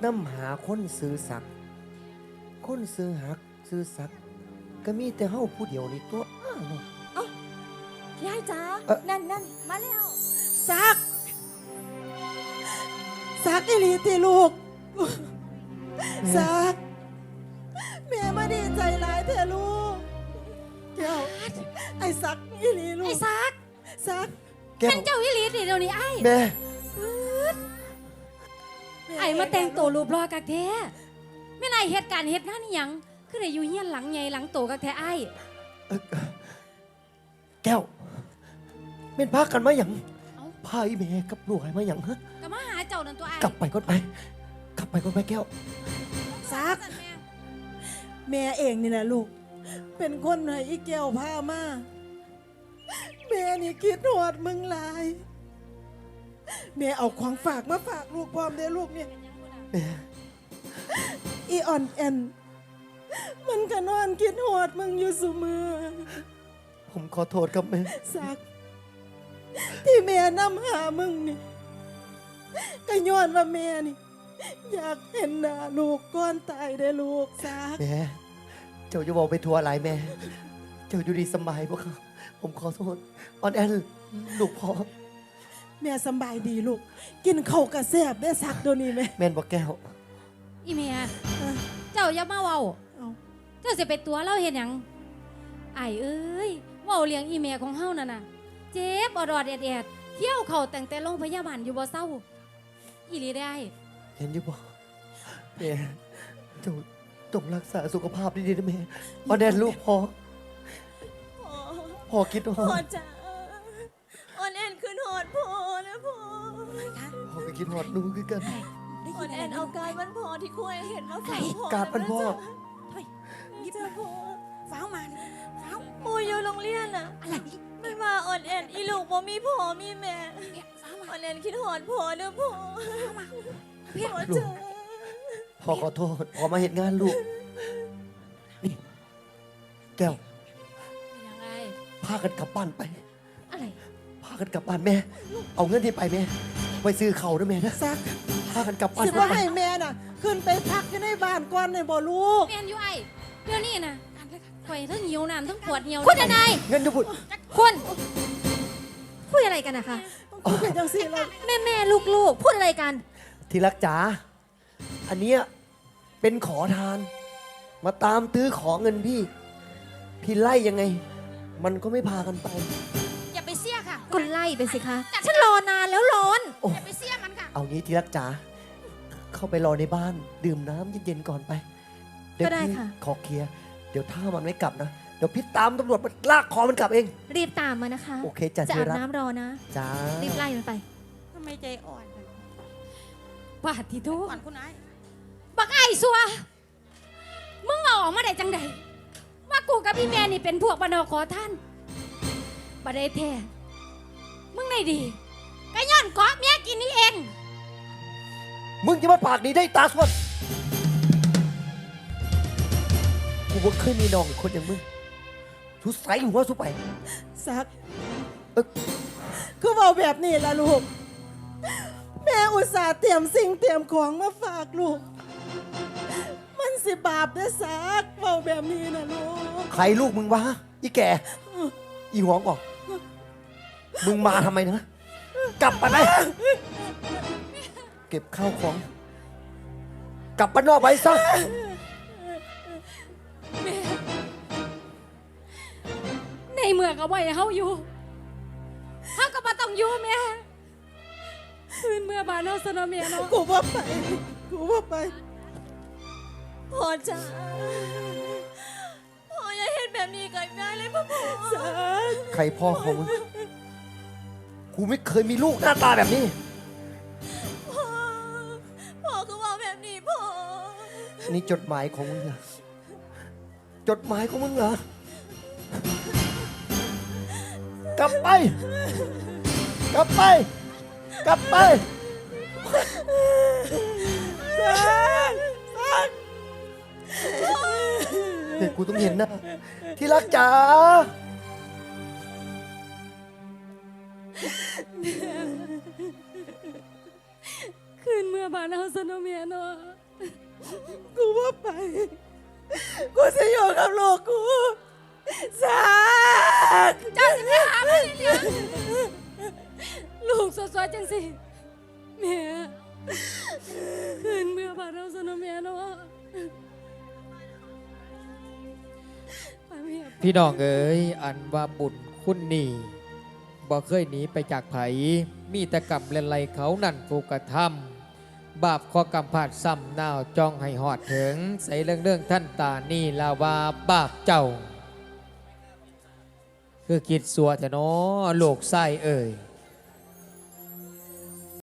น้ำหาคนซื้อสักคนซื้อหักซื้อสักก็มีแต่เฮาผู้เดียวนี่ตัวเนาะยายจ๋านั่นมาแล้วซักอีหลีติลูกซักแม่มาดีใจหลายเถอะลูกแก้วไอ้ซักอีหลีลูกไอ้ซักแก้เป็วนเจ้าอีหลีนี่เดี๋ยวนี้ไอ้แม่ไอ้มาแต่งตัวรูปรอกักแท้ไม่นายเหตุการณ์เหตุงานนี่หยังคือได้อยู่เฮียนหลังใหญ่หลังโตกักแท้ไอ้แก้วเป็นพากันมาหยังพาอีแม่กับลูกให้มาหยังฮะก็มาหาเจ้านั่นตัวไอ้กลับไปก่อนไปแก้วซักแม่เองนี่แหละลูกเป็นคนให้อีแก้วพามาแม่นี่คิดหอดมึงหลายแม่เอาของฝากมาฝากลูกพร้อมเด้อลูกเนี่ยแม่อีอ่อนแอนมันก็นอนคิดหอดมึงอยู่เสมอผมขอโทษครับแม่ซักที่แม่นำหามึงนี่ก็ย้อนว่าแม่นี่อยากเห็นหน้าลูกก่อนตายได้อลูกซักแม่เจ้าจะบอกไปทัวร์อะไรแม่เจ้าอยู่ดีสบายปะครับผมขอโทษออนแอนลูกพ่อแม่สำบายดีลูกกินข้าวกระแซบได้ซักเดี๋ยวนี้ไหมแม่นบอกแก้วอีเมียเจ้าอย่ามาเว้าเอาเจ้าสิไปตัวเราเห็นหยังไอ้เอ้ยเว้าเลี้ยงอีเมียของเฮานั่นน่ะเจ็บอดอดแอดเที่ยวเข่าแต่งแต่โรงพยาบาลอยู่บ่เศร้าอีหลีได้เห็นอยู่บ่แม่เจ้าต้องรักษาสุขภาพดีๆนะแม่ออนแอนลูกพ่อพ่อคิดว่าพ่อจ๋าออนแอนคืนหอดพ่อนะพ่อพ่อไปคิดหอดหนูคือกันออนแอนเอาการวันพ่อที่คุยเห็นมาฝากพ่อการมันพ่อนี่จ้าพ่อฟ้าวมาฟ้าวหมูอยู่โรงเรียนน่ะไม่ว่าออนแอนอีลูกบ่มีพ่อมีแม่ออนแอนคิดหอดพ่อเด้อพ่อพ่อจ๋าพ่อขอโทษพ่อมาเห็นงานลูกนี่แก้วยังไงพากันกลับบ้านไปอะไรพากันกลับบ้านแม่ เอาเงินที่ไปแม่ไปซื้อเขาด้วยแม่นะซักพากันกลับบ้านสิว่าให้แม่น่ะ ขึ้นไปพักอยู่ในบ้านก่อนในบ่ลูกแมนอยู่ไอ้เดี๋ยวนี้นะข่อยทั้งหิวน้ำทั้งปวดเหี่ยวคุณนายเงินจะพูดคุณพูดอะไรกันนะคะคุณเป็นจังสี่แล้วแม่ลูกพูดอะไรกันที่รักจ๋าอันเนี้ยเป็นขอทาน มาตามตื้อขอเงินพี่ พี่ไล่ยังไง มันก็ไม่พากันไปอย่าไปเสียค่ะก็ไล่ไปสิคะ ฉันรอนานแล้วร้อนโอ้อย่าไปเสียมันค่ะเอางี้ที่รักจ๋าเข้าไปรอในบ้าน ดื่มน้ำเย็นๆก่อนไป เดี๋ยวก็ได้พี่ค่ะขอเคลียร์เดี๋ยวถ้ามันไม่กลับนะ เดี๋ยวพี่ตามตำรวจมาลากคอมันกลับเองรีบตามมานะคะโอเคจ้ะจะที่อาบรักน้ำรอนะจ้ารีบไล่มันไปทำไมใจอ่อนบาดที่ทุกก่อนคุณนายบักไอ้สัวมึงเอาออกมาได้จังใดว่ากูกับพี่แม่นี่เป็นพวกบรรดาขอท่านบัดได้แท้มึงได้ดีก็ย้อนเกาะเมียกินนี่เองมึงจะมาปากดีได้ตาสวดกูว่าเคยมีน้องอีกคนอย่างมึงทุใส่หัวสุไปซักเอ้อคือเอาแบบนี้ล่ะลูก แม่อุตส่าห์เตรียมสิ่งเตรียมของมาฝากลูก มันสิบาปได้อซักเอาแบบนี้นะลูกใครลูกมึงวะอีแก่ อีหวงบอกมึงมาทำไมนะ กลับไปไหมเก็บข้าวของ กลับบ้านนอกไปซะในเมืองก็บ่ให้เฮาอยู่เฮาก็บ่ต้องอยู่แม่คืนเมื่อบานเฮาซะเนาะแม่เนาะกูว่าไป กูว่าไปพ่อจ๋าพ่ออย่าเห็นแบบนี้กับได้เลยพ่อซักใครพ่อของมึง กูไม่เคยมีลูกหน้าตาแบบนี้พ่อคือว่าแบบนี้พ่อนี่จดหมายของมึงเหรอ จดหมายของมึงเหรอ กลับไป กลับไป กลับไปเด็กกูต้องเห็นนะ ที่รักจ๋าคืนเมื่ออบ้านเฮาซะเนาะแม่เนาะกูว่าไป กูจะอยู่กับลูกกูสักเจ้าสิไปหามันอีหยังลูกสวยๆจังสิแม่คืนเมื่อบ้านเฮาซะเนาะแม่เนาะไปแม่พี่น้องเอ๋ยอันว่าบุญคุณนี่บ่เคยหนีไปจากไผมีแต่กรรมเล่นไรเขานั่นผูกกระทำบาปข้อกรรมผาดซ้ำนาวจองให้หอดถึง ใส่เรื่องท่านตานี่ลาวาบาปเจ้า คือคิดสัวแต่น้อโลกไส้เอ่ย